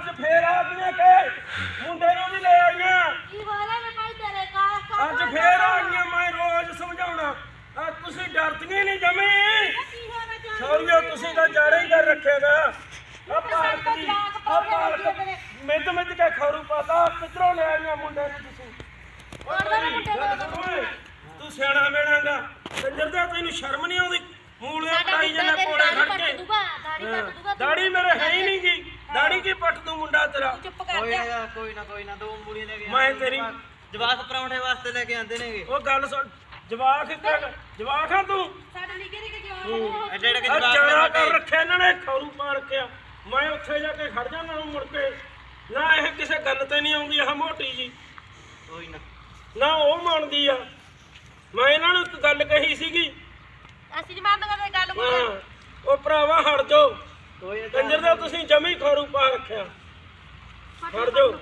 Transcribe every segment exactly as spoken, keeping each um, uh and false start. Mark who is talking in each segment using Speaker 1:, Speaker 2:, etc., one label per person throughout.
Speaker 1: ਫੇਰ ਆ ਗਈਆਂ ਕਿ ਮੁੰਡੇ ਨੂੰ ਵੀ ਲੈ ਆਈਆਂ
Speaker 2: ਕੀ ਵਾਲਾ ਮੈਂ ਭਾਈ ਤੇਰੇ ਕਾ
Speaker 1: ਅੱਜ ਫੇਰ ਆ ਗਈਆਂ ਮੈਂ ਰੋਜ਼ ਸਮਝਾਉਣਾ ਆ ਤੁਸੀਂ ਡਰਦੀਆਂ ਨਹੀਂ ਜਮੀ
Speaker 2: ਕੀ ਹੋਣਾ ਚਾਹੀਦਾ
Speaker 1: ਸੌਰੀਓ ਤੁਸੀਂ ਤਾਂ ਜਾੜੇ ਹੀ ਕਰ ਰੱਖੇਗਾ ਆ ਪਾਲਕ ਦੀ ਆ ਪਾਲਕ ਮਿੱਧ ਮਿੱਧ ਕੇ ਖਰੂ ਪਾਤਾ ਕਿੱਧਰੋਂ ਲੈ ਆਈਆਂ ਮੁੰਡੇ ਨੂੰ ਤੁਸੀਂ ਓਏ ਤੂੰ ਸਿਆਣਾ ਮੇਣਾਗਾ ਕੰਜਰ ਦਾ ਤੈਨੂੰ ਸ਼ਰਮ ਨਹੀਂ ਆਉਂਦੀ ਮੂਲੀਆਂ ਪੜਾਈ ਜਾਂਦਾ ਕੋੜੇ ਖੜ ਕੇ ਦਾੜੀ ਮੇਰੇ ਹੈ ਹੀ ਨਹੀਂ ਗੀ ਦਾੜੀ ਕੀ ਪੱਟ ਦੂੰ ਮੁੰਡਾ ਤੇਰਾ
Speaker 2: ਚੁੱਪ ਕਰ
Speaker 3: ਕੋਈ
Speaker 2: ਜਾ
Speaker 3: ਨਾ ਕੋਈ ਨਾ ਕੋਈ ਨਾ ਦੋ ਮੂਲੀਆਂ ਲੈ ਕੇ
Speaker 1: ਮੈਂ ਤੇਰੀ
Speaker 3: ਜਵਾਕ ਪਰੌਂਠੇ ਵਾਸਤੇ ਲੈ ਕੇ ਆਂਦੇ ਨੇਗੇ
Speaker 1: ਉਹ ਗੱਲ ਸੁਣ ਜਵਾਕ ਜਵਾਕ ਆ ਤੂੰ
Speaker 2: ਸਾਡੇ ਨਿੱਕੇ ਨਿੱਕੇ ਜਵਾਨ
Speaker 3: ਐਡੇ ਐਡੇ
Speaker 1: ਆ
Speaker 3: ਜਵਾਕ
Speaker 1: ਜਾਣਾ ਕਰ ਰੱਖਿਆ ਇਹਨਾਂ ਨੇ ਖਰੂ ਪਾ ਰੱਖਿਆ ਮੈਂ ਉੱਥੇ ਜਾ ਕੇ ਖੜ ਜਾਣਾ ਮੁੜ ਕੇ ਨਾ ਇਹ ਕਿਸੇ ਗੱਲ ਤੇ ਨਹੀਂ ਆਉਂਦੀ ਆਹ ਮੋਟੀ ਜੀ
Speaker 3: ਕੋਈ ਨਾ
Speaker 1: ਨਾ ਉਹ ਮੰਨਦੀ ਆ ਮੈਂ ਇਹਨਾਂ ਨੂੰ ਇੱਕ ਗੱਲ ਕਹੀ ਸੀਗੀ
Speaker 2: ਅਸੀਂ ਨਹੀਂ ਮੰਨਦੇ ਕਰਦੇ ਗੱਲ ਕੋਈ
Speaker 1: ਹਾਂ ਉਹ ਭਰਾਵਾ ਹਟ ਜਾਓ
Speaker 3: ਕੋਈ
Speaker 1: ਕੰਜਰ ਦਾ ਤੁਸੀਂ ਜਮੀ ਖਰੂ ਪਾ ਰੱਖਿਆ ਹਟ ਜਾਓ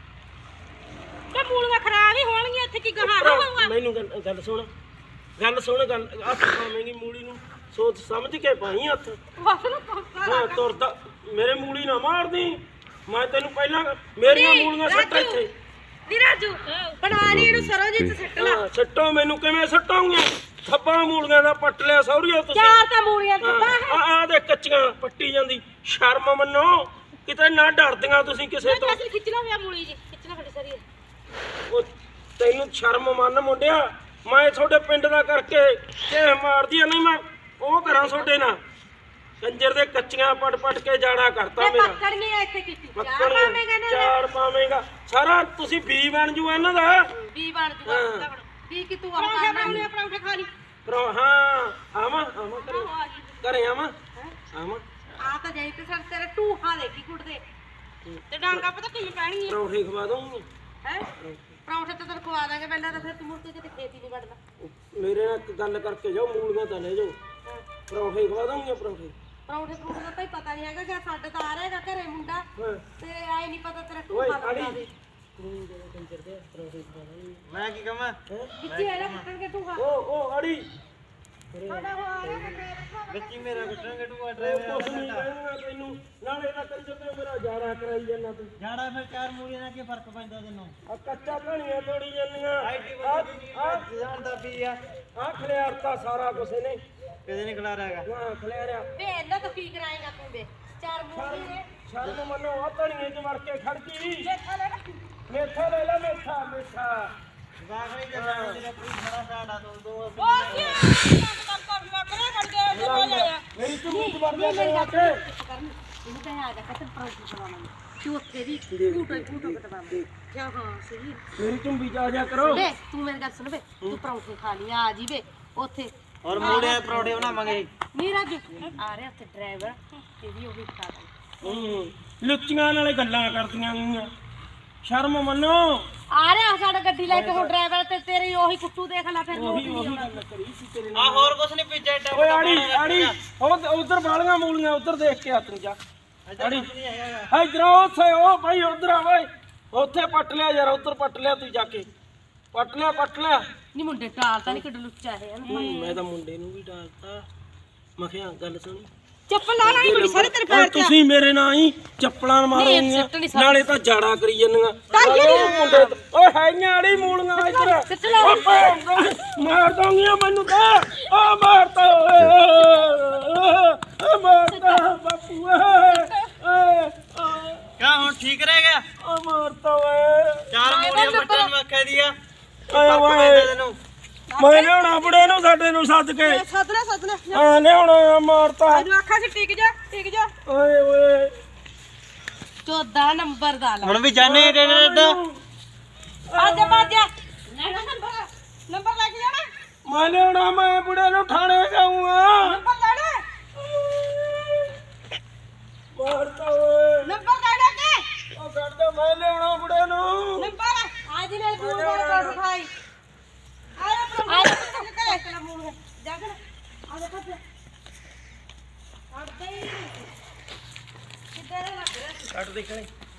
Speaker 2: ਤੇ ਮੂਲੀਆਂ ਖਰਾਬ ਹੀ ਹੋਣਗੀਆਂ ਇੱਥੇ ਕੀ ਗਾਹਾਂ ਹੋਊਗਾ
Speaker 1: ਮੈਨੂੰ ਗੱਲ ਗੱਲ ਸੁਣ ਗੱਲ ਸੁਣ ਗੱਲ ਹੱਥ ਪਾਵੇਂਗੀ ਮੂਲੀ ਨੂੰ ਸੋਚ ਸਮਝ ਕੇ ਪਾਈ ਹੱਥ
Speaker 2: ਬਸ ਨੂੰ ਪੱਕਾ
Speaker 1: ਹਾਂ ਤੁਰਦਾ ਮੇਰੇ ਮੂਲੀ ਨਾ ਮਾਰਦੀ ਮੈਂ ਤੈਨੂੰ ਪਹਿਲਾਂ ਮੇਰੀਆਂ ਮੂਲੀਆਂ ਸੱਟ ਇੱਥੇ
Speaker 2: ਨੀ ਰਾਜੂ ਬਣਾ ਲਈ ਇਹਨੂੰ ਸਰੋਜੀਤ ਸੱਟ ਲਾ
Speaker 1: ਹਾਂ ਸੱਟੋ ਮੈਨੂੰ ਕਿਵੇਂ ਸੱਟੋਗੇ ਥੱਪਾ ਮੂਲੀਆਂ ਦਾ ਪੱਟ ਲਿਆ ਸੌਰੀਓ ਤੁਸੀਂ
Speaker 2: ਚਾਰ ਤਾਂ ਮੂਲੀਆਂ ਦਿੱਤਾ ਹੈ
Speaker 1: ਆ ਆ ਦੇ ਕੱਚੀਆਂ ਪੱਟੀ ਜਾਂਦੀ ਸ਼ਰਮ ਮੰਨੋ ਕਿਤੇ ਨਾ ਡਰਦੀਆਂ ਤੁਸੀਂ ਕਿਸੇ ਤੋਂ
Speaker 2: ਅਸੀਂ ਖਿੱਚ ਲਾ ਹੋਇਆ ਮੂਲੀ ਜੀ ਖਿੱਚਣਾ ਫੜੀ ਸਰੀ
Speaker 1: ਉਹ ਤੈਨੂੰ ਸ਼ਰਮ ਮੰਨ ਮੁੰਡਿਆ ਮੈਂ ਤੁਹਾਡੇ ਪਿੰਡ ਦਾ ਕਰਕੇ ਤੇ ਮਾਰਦੀ ਆ ਨਹੀਂ ਮੈਂ ਉਹ ਕਰਾਂ ਤੁਹਾਡੇ ਨਾਲ ਕੰਜਰ ਦੇ ਕੱਚੀਆਂ ਪਟ ਪਟ ਕੇ ਜਾਣਾ ਕਰਤਾ
Speaker 2: ਤੇ
Speaker 1: ਮੇਰਾ
Speaker 2: ਪੱਕੜ ਨਹੀਂ ਇੱਥੇ ਕੀਤੀ ਚਾਰ
Speaker 1: ਪੱਕੜ
Speaker 2: ਪਾਵੇਂਗਾ ਨਾ
Speaker 1: ਚਾਰ ਪਾਵੇਂਗਾ ਸਾਰਾ ਤੁਸੀਂ ਬੀ ਬਣ ਜੂ ਇਹਨਾਂ ਦਾ
Speaker 2: ਵੀ ਬਣ ਜੂਗਾ ਵੀ ਕਿ ਤੂੰ ਆਹ ਕਰਨਾ ਪਰੌਂਠੇ ਖਾ ਲਈ
Speaker 1: ਪਰ ਹਾਂ ਆਵਾਂ ਆਵਾਂ ਘਰੇ
Speaker 2: ਆ ਗਈ
Speaker 1: ਘਰੇ ਆਵਾਂ ਆਵਾਂ
Speaker 2: ਆ ਤਾਂ ਜਾਈ ਤੇ ਸਰ ਤੇਰੇ ਟੂਹਾਂ ਦੇਖੀ ਕੁੱਟਦੇ ਤੇ ਡਾਂਗਾ ਪਤਾ ਕਿਵੇਂ ਪੈਣੀ ਹੈ
Speaker 1: ਪਰੌਂਠੇ ਖਵਾ ਦਊਂਗੀ
Speaker 2: ਹੈ ਪਰੌਂਠੇ ਤਾਂ ਤੈਨੂੰ ਖਵਾ ਦਾਂਗੇ ਪਹਿਲਾਂ ਤਾਂ ਫਿਰ ਤੂੰ ਮੁੜ ਕੇ ਕਿਤੇ ਖੇਤੀ ਨਹੀਂ ਵੜਦਾ
Speaker 1: ਮੇਰੇ ਨਾਲ ਇੱਕ ਗੱਲ ਕਰਕੇ ਜਾਓ ਮੂਲੀਆਂ ਤਾਂ ਲੈ ਜਾਓ ਪਰੌਂਠੇ ਖਵਾ ਦਊਂਗੀ ਪਰੌਂਠੇ
Speaker 2: ਪਰੌਂਠੇ ਪਰੌਂਠੇ ਦਾ ਭਾਈ ਪਤਾ ਨਹੀਂ ਹੈਗਾ ਕਿ ਸਾਡੇ ਤਾਂ ਆ ਰਹੇਗਾ ਘਰੇ ਮੁੰਡਾ
Speaker 1: ਹਾਂ
Speaker 2: ਤੇਰੇ ਆਏ ਨਹੀਂ ਪਤਾ ਤੇਰਾ
Speaker 1: ਓਏ
Speaker 2: ਟੂਹਾ
Speaker 1: ਆੜੀ
Speaker 2: ਬਣਾ ਦੇ
Speaker 1: ਕੰਜਰ ਦੇ ਪਰੌਂਠੇ ਖਵਾ ਦਊਂਗੀ
Speaker 3: ਮੈਂ ਕੀ ਕਹਾਂ
Speaker 2: ਵਿੱਚੇ ਇਹਦਾ ਕੁੱਟਣਗੇ ਟੂਹਾ
Speaker 1: ਉਹ ਉਹ ਆੜੀ
Speaker 2: ਸਾਡਾ ਉਹ ਆ ਰਿਹਾ ਕਿ
Speaker 3: ਬੱਚੀ ਮੇਰਾ ਕੱਟਣਗੇ ਟੂਆ
Speaker 1: ਉਹ
Speaker 3: ਡਰਾਈਵਰ
Speaker 1: ਕੁਛ ਨਹੀਂ ਕਹਿਣਾ ਤੈਨੂੰ ਨਾਲੇ ਤਾਂ ਕੰਜਰ ਤੇ ਮੇਰਾ ਜਾਣਾ ਕਰਾਈ ਜਾਂਦਾ ਤੂੰ
Speaker 3: ਜਾੜਾ ਫਿਰ ਚਾਰ ਮੂਲੀਆਂ ਨਾਲ ਕੀ ਫਰਕ ਪੈਂਦਾ ਤੈਨੂੰ
Speaker 1: ਆ ਕੱਚਾ ਧਣੀਆਂ ਤੋੜੀ ਜਾਂਦੀਆਂ
Speaker 3: ਆਈਟੀ
Speaker 1: ਆ
Speaker 3: ਬੰਦੇ ਜਾਣਦਾ ਵੀ ਆ
Speaker 1: ਆ ਖਲਿਆਰਤਾ ਸਾਰਾ ਕੁਛ ਨੇ
Speaker 3: ਕਿਤੇ ਨਹੀਂ ਖਿਲਾ ਰਿਹਾਗਾ
Speaker 1: ਹਾਂ ਖਲਿਆਰਿਆ
Speaker 2: ਵੇ ਇਹਨਾਂ ਤੋਂ ਕੀ ਕਰਾਏਗਾ ਤੂੰ ਵੇ ਚਾਰ ਮੂਲੀ ਨੇ
Speaker 1: ਸ਼ਰਮ ਮੰਨੋ ਆ ਧਣੀਏ ਚ ਵੜ ਕੇ ਖੜ ਗਈ
Speaker 2: ਦੇਖਾ ਲੈ
Speaker 1: ਮੇਥਾ ਲੈ ਲੈ ਮੇਥਾ ਮੇਥਾ
Speaker 3: ਜਵਾਕ ਨਹੀਂ ਜਾਂਦਾ ਤੇਰਾ ਕੋਈ ਬੜਾ ਸਾਡਾ ਦੋ ਦੋ
Speaker 2: ਉਹ ਕੀ ਕਰ ਕਰ ਲੱਗ ਰਿਹਾ ਕਰ ਗਿਆ ਤੇ ਹੋ ਜਾਇਆ
Speaker 1: ਮੇਰੀ ਝੁੰਮੀ ਚ ਵੜ ਗਿਆ ਤੇਰੇ ਆ ਕੇ
Speaker 2: ਕਰਨ ਇਹਨੂੰ ਕਹਿ ਆ ਜਾ ਕਤਨ ਪਰੌਂਠੇ ਬਣਾਉਣਾ ਤੂੰ ਉੱਥੇ ਦੀ ਫੂਟੋ ਫੂਟੋ ਕਟਵਾ ਕਿਆ ਹਾਂ ਸਹੀ
Speaker 1: ਮੇਰੀ ਝੁੰਮੀ ਚ ਆ ਜਾ ਕਰੋ
Speaker 2: ਵੇ ਤੂੰ ਮੇਰੀ ਗੱਲ ਸੁਣ ਵੇ ਤੂੰ ਪਰੌਂਠੇ ਖਾ ਲਈ ਆ ਜੀ ਵੇ ਉੱਥੇ
Speaker 3: ਔਰ ਮੂਲੀਆਂ ਦੇ ਪਰੌਂਠੇ ਬਣਾਵਾਂਗੇ
Speaker 2: ਨੀ ਰਾਜੂ ਆ ਰਿਹਾ ਉੱਥੇ ਡਰਾਈਵਰ ਤੇ ਵੀ ਉਹ ਵੀ ਖਾ ਲੈ
Speaker 1: ਹੂੰ ਲੁੱਚੀਆਂ ਨਾਲੇ ਗੱਲਾਂ ਕਰਦੀਆਂ ਗਈਆਂ ਸ਼ਰਮ ਮੰਨੋ
Speaker 2: ਆ ਰਿਹਾ ਸਾਡਾ ਗੱਡੀ ਲੈ ਕੇ ਹੁਣ ਡਰਾਈਵਰ ਤੇ ਤੇਰੀ ਉਹੀ ਕੁੱਟੂ ਦੇਖ ਲੈ ਫਿਰ
Speaker 1: ਉਹੀ ਉਹੀ ਗੱਲ ਕਰੀ ਸੀ ਤੇਰੇ
Speaker 3: ਆ
Speaker 1: ਨਾਲ
Speaker 3: ਹੋਰ ਕੁਛ ਨਹੀਂ ਪੀਜਾ ਏਡਾ
Speaker 1: ਓਏ ਆੜੀ ਆੜੀ ਉਹ ਉਧਰ ਬਾਲੀਆਂ ਮੂਲੀਆਂ ਉਧਰ ਦੇਖ ਕੇ ਆ ਤੂੰ ਜਾ ਆੜੀ
Speaker 3: ਨਹੀਂ ਹੈਗਾ
Speaker 1: ਇਧਰੋਂ ਉੱਥੇ ਉਹ ਭਾਈ ਉਧਰ ਆ ਓਏ ਉੱਥੇ ਪੱਟ ਲਿਆ ਯਾਰ ਉਧਰ ਪੱਟ ਲਿਆ ਤੂੰ ਜਾ ਕੇ ਪੱਟ ਲਿਆ ਪੱਟ ਲਿਆ
Speaker 2: ਨੀ ਮੁੰਡੇ ਟਾਲ ਤਾਂ ਨਹੀਂ ਕਿੱਡ ਲੁੱਚਾ ਹੈ
Speaker 1: ਮੈਂ ਤਾਂ ਮੁੰਡੇ ਨੂੰ ਵੀ ਡਾਲਤਾ ਮੈਂ ਕਿਹਾ ਗੱਲ ਸੁਣੀ
Speaker 2: ਚੱਪਲ ਲਾ ਲਾ ਬੜੀ ਸਾਰੇ ਤੇਰੇ ਪੈਰ ਤੇ
Speaker 1: ਤੁਸੀਂ ਮੇਰੇ ਨਾਲ ਹੀ ਚੱਪਲਾਂ ਮਾਰੋਗੀਆਂ
Speaker 2: ਸਿੱਟ ਨੀ ਸਕਦੀ।
Speaker 1: ਨਾਲੇ ਤਾਂ ਜਾੜਾ ਕਰੀ ਜਾਂਦੀਆਂ
Speaker 2: ਤਾਈਓ
Speaker 1: ਨਾਲੇ ਉਹ ਮੁੰਡੇ ਤੋਂ- ਓਏ ਹੈਗੀਆਂ ਆੜੀ ਮੂਲੀਆਂ ਇੱਧਰ
Speaker 2: ਸਿੱਟ ਲਾ।
Speaker 1: ਓ ਭੈਣ ਦਾ, ਮਾਰ ਦੋਗੀਆਂ ਮੈਨੂੰ ਤਾਂ ਆ ਮਾਰਤਾ ਓਏ ਆ ਮਾਰਤਾ ਬਾਪੂ ਓਏ
Speaker 3: ਕਿਆ ਹੁਣ ਠੀਕ ਰਹਿ ਗਿਆ
Speaker 1: ਆ ਮਾਰਤਾ ਓਏ
Speaker 3: ਚਾਰ ਮੂਲੀਆਂ ਬੱਟਾਂ ਨੂੰ ਆਖਿਆ ਦੀ ਆ
Speaker 1: ਆਏ
Speaker 3: ਫਰਕ
Speaker 1: ਓਏ
Speaker 3: ਪੈਂਦਾ ਤੈਨੂੰ
Speaker 1: ਮੈਂ ਲਿਆਉਣਾ ਬੁੜੇ ਨੂੰ ਸਾਡੇ ਨੂੰ ਸੱਦ ਕੇ
Speaker 2: ਸੱਦ ਲੈ ਸੱਦ ਲੈ
Speaker 1: ਹਾਂ ਲਿਆਉਣਾ ਮਾਰਤਾ
Speaker 2: ਇਹਨੂੰ ਆਖਾਂ ਸੀ ਟਿਕ ਜਾ ਟਿਕ ਜਾ
Speaker 1: ਓਏ ਓਏ
Speaker 2: ਚੌਦਾਂ ਨੰਬਰ ਦਾ ਲਾ
Speaker 3: ਹੁਣ ਵੀ ਜਾਣੇ ਏਡਾ ਏਡਾ
Speaker 2: ਆਜਾ ਬਾਜਾ ਲੈਣਾ ਨੰਬਰ ਨੰਬਰ ਲੈ ਕੇ ਜਾਣਾ
Speaker 1: ਮੈਂ ਲਿਆਉਣਾ ਮੈਂ ਬੁੜੇ ਨੂੰ ਥਾਣੇ ਜਾਊਂਗਾ
Speaker 2: ਨੰਬਰ ਲੈਣਾ
Speaker 1: ਮਾਰਤਾ ਓਏ
Speaker 2: ਨੰਬਰ ਲੈਣਾ ਕੇ
Speaker 1: ਉਹ ਕੱਢ ਮੈਂ ਲਿਆਉਣਾ ਬੁੜੇ ਨੂੰ
Speaker 2: ਨੰਬਰ ਆਜ ਨੇ ਤੂੰ ਕੋਲ ਉਠਾਈ ਆਇਆ ਪਰ ਆਇਆ ਕਿ ਤੇਰਾ ਮੂਲ ਹੈ ਜਾ ਕੇ ਆ ਜਾ ਕੱਟ ਆ ਦੇ ਕਿੱਧਰ ਲੱਗ ਰਿਹਾ
Speaker 1: ਕੱਢ ਦੇ ਕਲੇ